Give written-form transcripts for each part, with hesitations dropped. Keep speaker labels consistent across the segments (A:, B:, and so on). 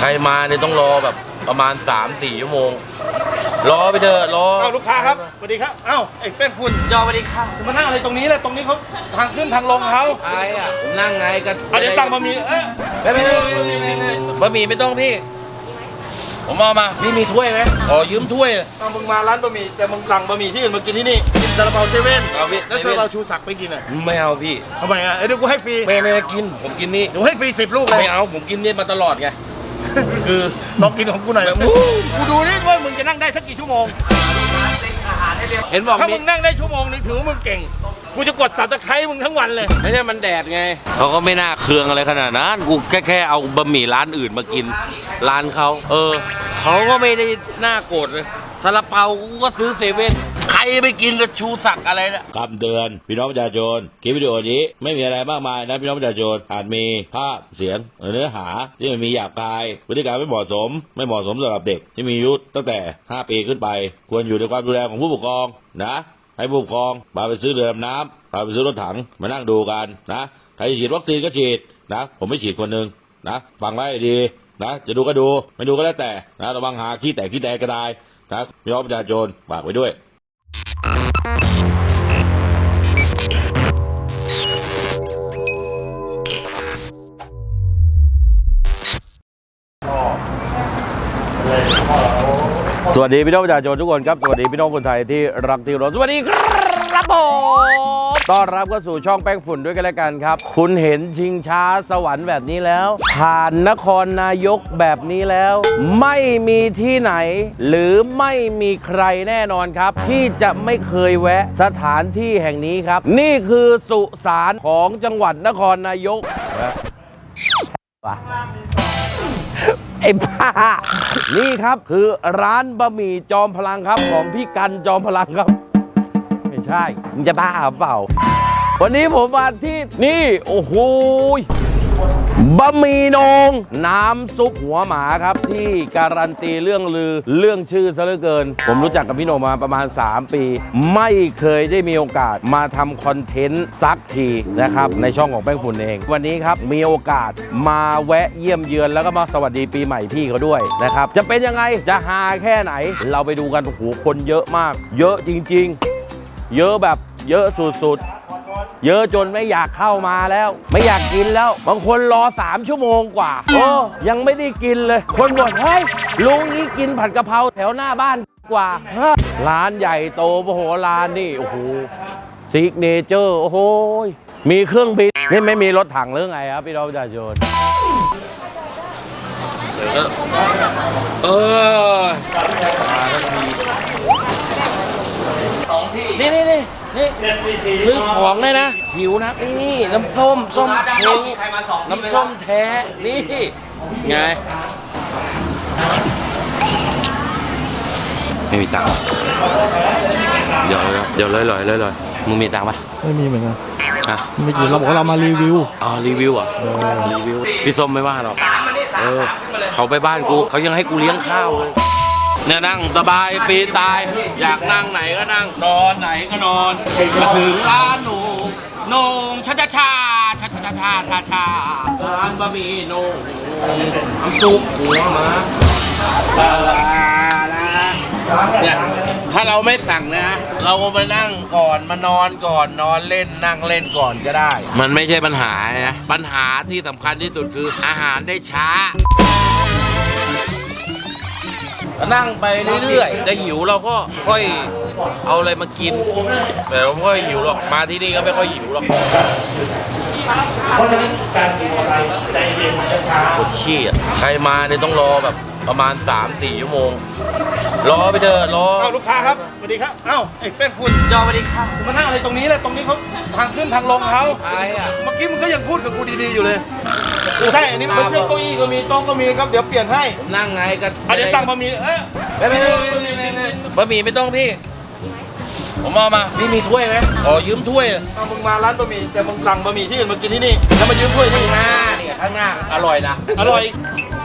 A: ใครมาเนี่ยต้องรอแบบประมาณ 3-4 ชั่วโมงรอไปเถอะรอ
B: ลูกค้าครับสวัสดีครับไอ้เป้นคุณ
A: จอสวัสดีค่ะ
B: มานั่งอะไรตรงนี้แหละตรงนี้เขาทางขึ้นทางลงเขา
A: ใครอ่ะผมนั่งไงกัน
B: เดี๋ยวสั่งบะหมี่
A: บะหมี่ไม่ต้องพี่ผมเอามาพี่มีถ้วยไหมขอยืมถ้วย
B: มึงมาร้านบะหมี่แต่มึงสั่งบะหมี่ที่อื่นมากินที่นี่กินซาลาเปาเซเว่นแล้วซาลาเปาชูศักดิ์ไปกินอ่ะ
A: ไม่เอาพี่
B: ทำไมอ่ะเดี๋ยวกูให้ฟรี
A: ไม่กินผมกินนี่
B: เดี๋ยวให้ฟรี10 ลูกเลย
A: ไม่เอาผมกินนี่มาตลอดไงคือ
B: ลองกินของกูหน่อยกูดูนี่ว่ามึงจะนั่งได้สักกี่ชั่วโมง
A: เห็นบอก
B: ถ้ามึงนั่งได้ชั่วโมงนึงถือว่ามึงเก่งกูจะกดสับตะไคร้มึงทั้งวันเลย
A: ไม่ใช่มันแดดไงเขาก็ไม่น่าเคืองอะไรขนาดนั้นกูแค่เอาบะหมี่ร้านอื่นมากินร้านเขาเขาก็ไม่ได้น่าโกรธเลยซาลาเปากูก็ซื้อเซเว่นใครไปกินแล้วชูศักดิ์อะไรนะ
C: คำเตือนพี่น้องประชาชนคลิปวิดีโอนี้ไม่มีอะไรมากมายนะพี่น้องประชาชนอาจมีภาพเสียงเนื้อหาที่มันมีหยาบคายพฤติกรรมไม่เหมาะสมสำหรับเด็กที่มีอายุตั้งแต่5 ปีขึ้นไปควรอยู่ในความดูแลของผู้ปกครองนะให้ผู้ปกครองพาไปซื้อเรือดำน้ำพาไปซื้อรถถังมานั่งดูกันนะใครจะฉีดวัคซีนก็ฉีดนะผมไม่ฉีดคนหนึ่งนะฟังไว้ดีนะจะดูก็ดูไม่ดูก็แล้วแต่นะระวังหาขี้แตกก็ได้นะพี่น้องประชาชนฝากไว้ด้วยสวัสดีพี่น้องประชาชนทุกคนครับสวัสดีพี่น้องคนไทยที่รักที่รสสวัสดีครับผมต้อนรับเข้าสู่ช่องแป้งฝุ่นด้วยกันแล้วกันครับคุณเห็นชิงช้าสวรรค์แบบนี้แล้วผ่านนครนายกแบบนี้แล้วไม่มีที่ไหนหรือไม่มีใครแน่นอนครับที่จะไม่เคยแวะสถานที่แห่งนี้ครับนี่คือสุสานของจังหวัดนครนายกไอ้บ้านี่ครับคือร้านบะหมี่จอมพลังครับของพี่กันจอมพลังครับไม่ใช่มึงจะบ้าเปล่าวันนี้ผมมาที่นี่โอ้โหบะหมี่โหน่งน้ำซุปหัวหมาครับที่การันตีเรื่องลือเรื่องชื่อซะเหลือเกินผมรู้จักกับพี่โหน่งมาประมาณ3 ปีไม่เคยได้มีโอกาสมาทำคอนเทนต์สักทีนะครับในช่องของแป้งฝุ่นเองวันนี้ครับมีโอกาสมาแวะเยี่ยมเยือนแล้วก็มาสวัสดีปีใหม่พี่เขาด้วยนะครับจะเป็นยังไงจะฮาแค่ไหนเราไปดูกันโอ้โหคนเยอะมากเยอะจริงๆเยอะแบบเยอะสุดๆเยอะจนไม่อยากเข้ามาแล้วไม่อยากกินแล้วบางคนรอ3 ชั่วโมงกว่ายังไม่ได้กินเลยคนบ่นเฮ้ยลุงนี้กินผัดกะเพราแถวหน้าบ้านกว่าร้านใหญ่โตโอ้โหร้านนี่โอ้โหซิกเนเจอร์โอ้โหมีเครื่องบินนี่ไม่มีรถถังหรือไงครับพี่น้องประชาชนนี่ซื้อของเลยนะหิวนะนี่น้ำส้มเช้งน้ำส้มแท้นี่ไงไม่มีตังค์เดี๋ยวเลยมึงมีตังค์ปะ
D: ไม่มีเหมือนกัน
A: ฮะ
D: ไม่กินเราบอกว่าเรามารีวิว
A: รีวิวอ่ะรีวิวพี่ส้มไม่ว่าหรอกเขาไปบ้านกูเขายังให้กูเลี้ยงข้าวเลยเนี่ยนั่งสบายปีตายอยากนั่งไหนก็นั่งนอนไหนก็นอนมาถึงร้านโหน่งชาร้านบะหมี่โหน่งน้ำซุปหัวหมาเนี่ยถ้าเราไม่สั่งนะเราก็มานั่งก่อนมานอนก่อนนอนเล่นนั่งเล่นก่อนก็ได้มันไม่ใช่ปัญหานะปัญหาที่สำคัญที่สุดคืออาหารได้ช้านั่งไปเรื่อยๆจะหิวเราก็ค่อยเอาอะไรมากินแต่เราไม่ค่อยหิวหรอกมาที่นี่ก็ไม่ค่อยหิวหรอกปวดขี้อ่ะใครมาเนี่ยต้องรอแบบประมาณ 3-4 ชั่วโมงรอไปเถอะรอ
B: ลูกค้าครับสวัสดีครับไอ้เป้นคุณ
A: จอสวัสดีค่ะ
B: มานั่งอะไรตรงนี้แหละตรงนี้เขาทางขึ้นทางลงเขา
A: ใครอ่ะ
B: เมื่อกี้มึงก็ยังพูดกับกูดีๆอยู่เลยใช่อันนี้มันเชือกเก้าอี้ก็มีโต๊ะก็มีครับเดี๋ยวเปลี่ยนให้
A: นั่งไงกัน
B: เดี๋ยวสั่งบะหมี่
A: บะหมี่ไม่ต้องพี่ผมเอามาพี่มีถ้วยไหมขอยืมถ้วย
B: มึงมาร้านบะหมี่แต่มึงสั่งบะหมี่ที่อื่นมากินที่นี่แล้วมายืมถ้วยที่
A: ข้างหน้าอร่อยนะ
B: อร่อย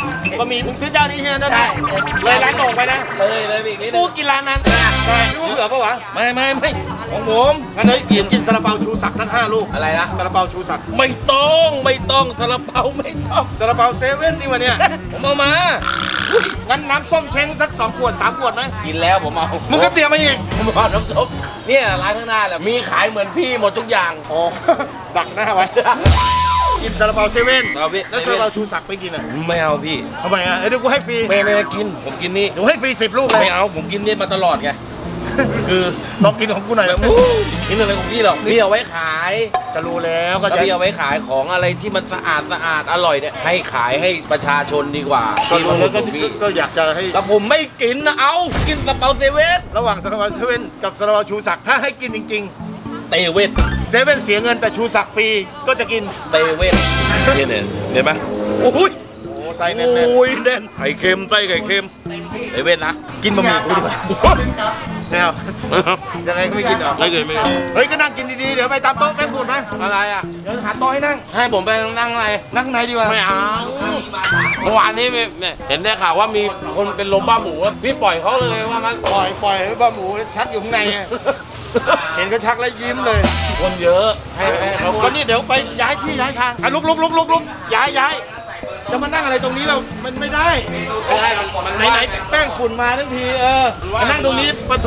B: บะหมี่มึงซื้อเจ้านี้เฮียได้ไหมเลยร้านโด่งไปนะ
A: เลยไปอีกนิดนึ
B: กู
A: ง
B: กินร้านนั้นใช่รู้เหลือปะวะ
A: ไม่ของผม
B: งั้นเลยกินซาลาเปาชูศักดิ์ทั้ง5 ลูก
A: อะไรนะ
B: ซาลาเปาชูศักดิ์
A: ไม่ต้องซาลาเปาไม่ต้อง
B: ซาลาเปาเซเว่นนี่วะเนี่ย
A: ผมเอามา
B: งั้นน้ำส้มเช้งสัก2 ขวด 3 ขวดไหม
A: กินแล้วผมเอา
B: มึงก็เตรียมมาอีก
A: ผมเอาน้ำซุปเนี่ยร้านข้างหน้าแหละมีขายเหมือนพี่หมดทุกอย่าง
B: อ๋อ ดักหน้าไว้ กินซาลาเปาเซเว่น
A: เอาพี่
B: แล้วซาลาเปาชูศักดิ์ไปกินอ่ะ
A: ไม่เอาพี่
B: ทำไมอ่ะเดี๋ยวกูให้ฟรี
A: ไม่กินผมกินนี่
B: เดี๋ยวให้ฟรี10 ลูกเลย
A: ไม่เอาผมกินนี่มาตลอดไงคือ
B: ลองกินของกูหน่อย
A: แบบกินอะไรของพี่หรอกพี่เอาไว้ขาย
B: จะรู้แล้วก็
A: ถ้า
B: จะ
A: พี่เอาไว้ขายของอะไรที่มันสะอาดอร่อยเนี่ยให้ขายให้ประชาชนดีกว่า
B: ก็
A: ที่
B: รู้
A: มา
B: แล้ว
A: ข
B: ก็
A: องพี่
B: ก็อยากจะให้
A: แต่ผมไม่กินนะเอากินซาลาเปาเซเว่น
B: ระหว่างซาลาเปาเซเว่นกับซาลาเปาชูศักดิ์ถ้าให้กินจริง
A: เตเว่น
B: ๆเซเว่นเสียเงินแต่ชูศักดิ์ฟรีก็จะกิน
A: เตเว่นเนี่ยเห็นไหมโอ้ย
B: โอ้ไซส์แน่น
A: โอ้ยแน่นไข่เค็มไส้ไข่เค็มเตเว่นนะ
B: ๆกินบะหมี่กูดีกว่าแนวยังไงก็ไม่กินเหรอ
A: ไม่เคย
B: เฮ้ยก็นั่งกินดีๆเดี๋ยวไปตามโต๊ะแป้งฝุ่นไหม
A: อะไรอ่ะ
B: เดี๋ยวหาโต๊ะให้นั่ง
A: ให้ผมไปนั่งอะไร
B: นั่งไหนดีกว่า
A: ไม่เอาเมื่อวานนี้เห็นได้ข่าวว่ามีคนเป็นลมบ้าหมูอะพี่ปล่อยเขาเลยว่างั้น
B: ปล่อยให้บะหมูชักอยู่ข้างในอะเห็นก็ชักแล้วยิ้มเลย
A: คนเยอะให้เขา
B: ก็นี่เดี๋ยวไปย้ายที่ย้ายทางอ่ะลุกย้ายจะมานั่งอะไรตรงนี้เรามันไม่ได้ไหนแป้งฝุ่นมาทั้งทีมานั่งตรงนี้ปะโท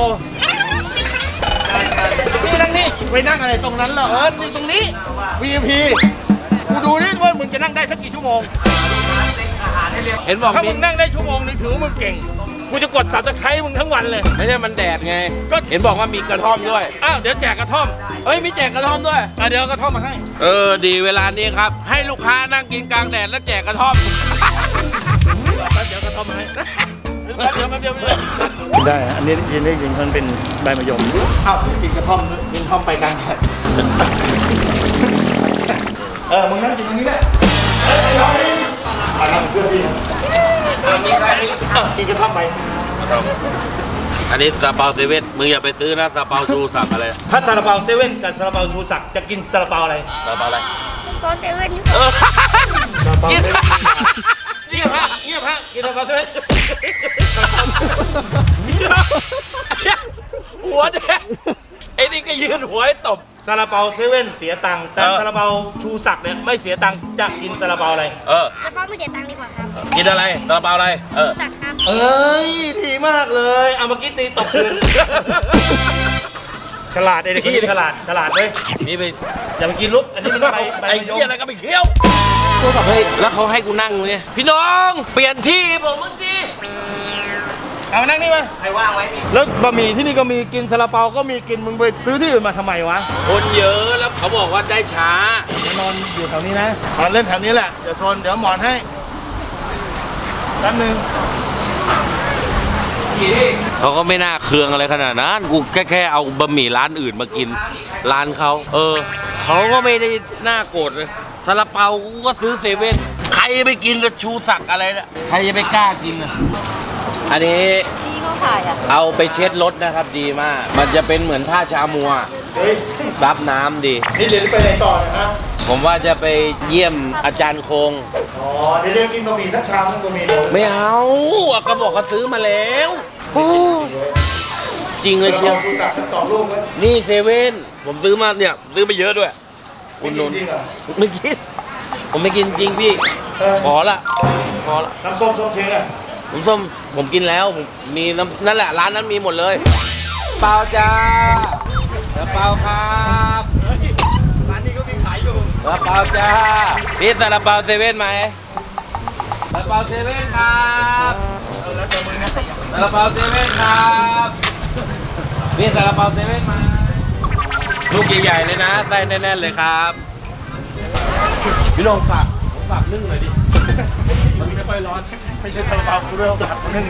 B: นี่นั่งนี่ไปนั่งอะไรตรงนั้นเหรอนี่ตรงนี้ VIP กูดูนี่ว่ามึงจะนั่งได้สักกี่ชั่วโมง
A: เห็นบอก
B: ถ้า
A: มี
B: มึงนั่งได้ชั่วโมงนึงถือว่ามึงเก่งกูจะกดสับตะไคร้มึงทั้งวันเลย
A: ไม่ใช่มันแดดไง
B: ก็
A: เห็นบอกว่ามีกระท่อมด้วย
B: อ้าวเดี๋ยวแจกกระท่อม
A: เฮ้ยมีแจกกระท่อมด้วย
B: เดี๋ยวเอากระท่อมมาให้
A: ดีเวลานี้ครับ ให้ลูกค้านั่งกินกลางแดดแล้วแจกกระท่อม
B: เดี๋ยวกระท่อมมาให้แป๊บเดียวกินได้อันนี้ยินได้ยินมันเป็นใบมะยมอ้าวกินกระท่อมกินท่อมไปกลางแดดมึงนั่งกินตรงนี้แหละมานั่งเพื่อนพี่กินกระท่อมไป
A: อันนี้ซาเปาเซเว่นมึงอย่าไปซื้อนะซาเปาชูสับอะไร
B: ถ้าซาลาเปาเซเว่นกับซาลาเปาชูศักดิ์จะกินซาลาเปาอะไร
A: ซาเปาอะไร
E: ตอนเซเว่น
B: ซาลาเปา
A: กิน
B: เซเว่น
A: เงียบฮะ
B: กินซาลาเปาเซเว่น
A: หัวแดงไอ้นี่ก็ยืนหัวให้ตบ
B: ซาลาเปาเซเว่นเสียตังค์แต่ซาลาเปาชูศักดิ์เนี่ยไม่เสียตังค์จะกินซาลาเปาอะไร
E: แล้วก็ไม่เสียตังค์ดีกว่าครับ
A: กินอะไรซาลาเปาอะไร
E: รู้จักครับ
B: เอ้ยดีมากเลยเอาเมื่อกี้ตีตบคืนฉลาดไอ้เด็กคนนี้ฉลาดเว้ย
A: นี่ไป
B: อย่าไปกินลุกอันนี้มันใบ
A: ไอ้
B: มะยม
A: เหี้ยอะไรก็ไปเคี้ยวเฮ้ยแล้วเขาให้กูนั่งเนี่ยพี่น้องเปลี่ยนที่ผมเมื่อกี้
B: เอามานั่งนี่มาใครว่างไว้แล้วบะหมี่ที่นี่ก็มีกินซาลาเปาก็มีกินมึงไปซื้อที่อื่นมาทำไมวะ
A: คนเยอะแล้วเขาบอกว่าได้ช้า
B: เดี๋ยวนอนอยู่แถวนี้นะนอนเล่นแถวนี้แหละเดี๋ยวโซนเดี๋ยวหมอนให้แป๊บนึง
A: เขาก็ไม่น่าเคืองอะไรขนาดนั้นกูแค่เอาบะหมี่ร้านอื่นมากินร้านเขาเขาก็ไม่ได้น่าโกรธเลยซาลาเปากูก็ซื้อเซเว่นใครจะไปกินกับชูศักดิ์อะไรนะใครจะไปกล้ากินอ่ะอันนี้
E: พี่เขาขายอ่ะ
A: เอาไปเช็ดรถนะครับดีมาก มันจะเป็นเหมือนผ้าชามัว
B: เฮ้ย
A: ซับน้ำดี
B: นี่เรียนไปไหนต่อเนยนะ
A: ผมว่าจะไปเยี่ยมอาจารย์คง
B: อ๋อเดี๋ยวกินบะหมี่ทั้งชามทั้งบะหมี่เลย
A: ไม่เอาก็บอกเขาซื้อมาแล้วโอ้จริงเลยเชียว
B: ชูศักดิ์ทั้งสองลูกเลย
A: นี่เซเว่นผมซื้อมาเนี่ยซื้อมาเยอะด้วยคุณนนท์
B: จริงเหรอ
A: ไม่กินผมไม่กินจริงพี่ พอละ
B: น้ำส้มเชงอ่ะ
A: ผมส้มผมกินแล้วผมมีน้ำนั่นแหละร้านนั้นมีหมดเลย เปล่าจ้าเปล่าครับ
B: เฮ้ยร้านนี้ก็มีขายอยู่
A: เปล่าจ้าพี่ซาลาเปาเซเว่นไหมซาลาเปาเซเว่นครับซาลาเปาเซเว่นครับพี่ซาลาเปาเซเว่นมาลูกใหญ่ๆเลยนะไส้แน่นๆเลยครับพี่ลองฝากนึ่งหน่อยดิมันไม่ค่อยร้อน
B: ไม่ใช่ซาลาเปากูเรื่องผัดนึ่ง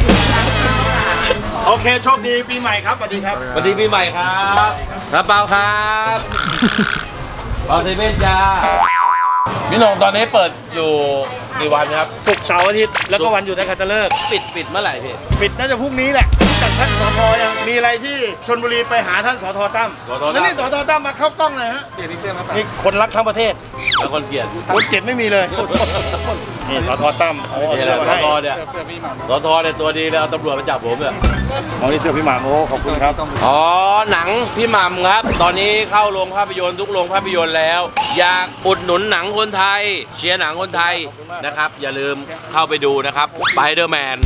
B: โอเคโชคดีปีใหม่ครับสวัสดีครับ
A: สวัสดีปีใหม่ครับซาลาเปาครับเปาเซเว่นจ้าพี่น้องตอนนี้เปิดอยู่กี่วันครับ
B: ศุกร์เสาร์อาทิตย์แล้วก็วันหยุดนักขัตฤกษ์
A: ปิดเมื่อไหร่พี่
B: ปิดน่าจะพรุ่งนี้แหละจัดท่านสทยังมีอะไรที่ชลบุรีไปหาท่านสทตั้ม
A: สทตั้ม
B: แล้วนี่สทตั้มมาเข้ากล้องเลยฮะนี่คนรักทั้งประเทศ
A: แล้วคนเกลียด
B: คนเจ็บไม่มีเลยนี่สทตั้มเอา
A: นี่แห
B: เสื้อ
A: ละ
B: มา
A: ส
B: ให้
A: ทเนี่ยสทเนี่ยตัวดีเลยเอาตำรวจมาจับผมเนี่ย
B: เอานี่เสื้อพี่หม่ำโอ้ขอบคุณครับ
A: อ๋อหนังพี่หม่ำครับ ตอนนี้เข้าโรงภาพยนตร์ทุกโรงภาพยนตร์แล้ว อยากอุดหนุนหนังคนไทย เชียร์หนังคนไทยนะครับ อย่าลืมเข้าไปดูนะครับสไปเดอร์แมน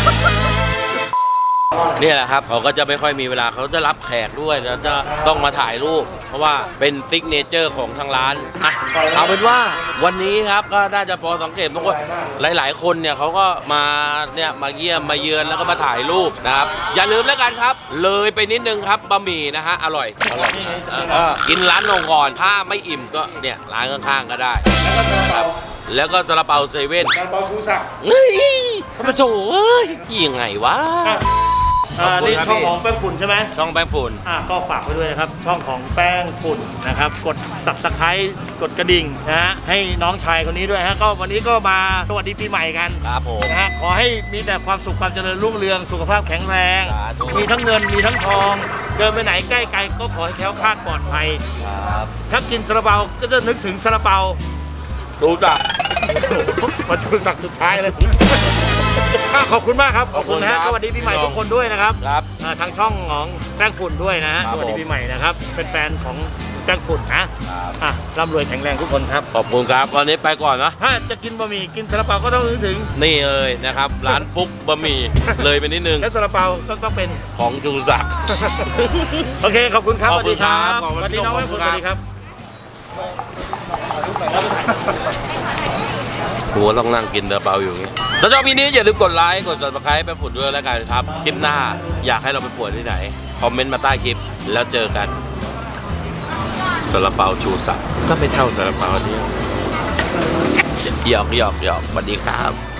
A: นี่แหละครับเขาก็จะไม่ค่อยมีเวลาเขาจะรับแขกด้วยแล้วจะต้องมาถ่ายรูป เพราะว่าเป็นซิกเนเจอร์ของทางร้านอ่ะเอาเป็นว่าวันนี้ครับก็น่าจะพอสังเกตเพราะว่าหลาย ๆ คนเนี่ยเขาก็มาเนี่ยมาเยี่ยมมาเยือนแล้วก็มาถ่ายรูปนะครับอย่าลืมแล้วกันครับ เลยไปนิดนึงครับบะหมี่นะฮะอร่อยกินร้านนงก่อนถ้าไม่อิ่มก็เนี่ยร้านข้างๆก็ได้นะครับแล้วก็ซาลาเปาเซเว่น
B: การเปาชูศักดิ์
A: เฮ้ยทำไมโถเอ้ยยังไงวะ
B: นี่ช่องของแป้งฝุ่นใช่ไหม
A: ช่องแป้งฝุ่น
B: ก็ฝากไว้ด้วยนะครับ ช่องของแป้งฝุ่นนะครับ กด subscribe กดกระดิ่งนะฮะให้น้องชายคนนี้ด้วยฮะก็วันนี้ก็มาสวัสดีปีใหม่กัน
A: ครับผม
B: นะฮะขอให้มีแต่ความสุขความเจริญรุ่งเรืองสุขภาพแข็งแรง
A: สาธุ
B: มีทั้งเงินมีทั้งทอง เดินไปไหนใกล้ไกลก็ขอให้แคล้วคลาดปลอดภัย
A: ครับ
B: ถ้ากินซาลาเปาก็จะนึกถึงซาลาเปา
A: ดูจัก
B: มาชูศักดิ์สุดท้ายเลย ขอบคุณมากครับ ขอบคุณนะฮะสวัสดีปีใหม่ทุกคนด้วยนะครับ
A: ครับ
B: ทางช่องของแป้งฝุ่นด้วยนะฮะ
A: ครับ
B: สวัสดี
A: ผม
B: ปีใหม่นะครับ เป็นแฟนของแป้งฝุ่นนะร่ำรวยแข็งแรงทุกคนครับ
A: ขอบคุณครับวันนี้ไปก่อนนะ
B: ถ้าจะกินบะหมี่กินซาลาเปาก็ต้องนึกถึง
A: นี่เลยนะครับ ร้านฟุกบะหมี่เลยไปนิดนึง
B: และซาลาเปาต้องเป็น
A: ของจูศักดิ์
B: โอเค ขอบคุณครับ
A: ข
B: ส
A: อบ
B: วัส
A: คุ
B: ดี
A: ณ
B: ค
A: ครั
B: รับบ
A: ขอบคุณ
B: สวัสดีน้องแป้งฝุ่น
A: ข
B: ส
A: อบคุณ
B: วัสดีครับ
A: กูก็ต้องนั่งกินซาลาเปาอยู่อย่างงี้ถ้าชอบวิดีโอนี้อย่าลืมกดไลค์ กด subscribe แป้งฝุ่นด้วยแล้วกันครับ คลิปหน้าอยากให้เราไปป่วนที่ไหน คอมเมนต์มาใต้คลิป แล้วเจอกันซาลาเปาชูศักดิ์ก็ไม่เท่าซาลาเปาเนี่ยหยอกสวัสดีครับ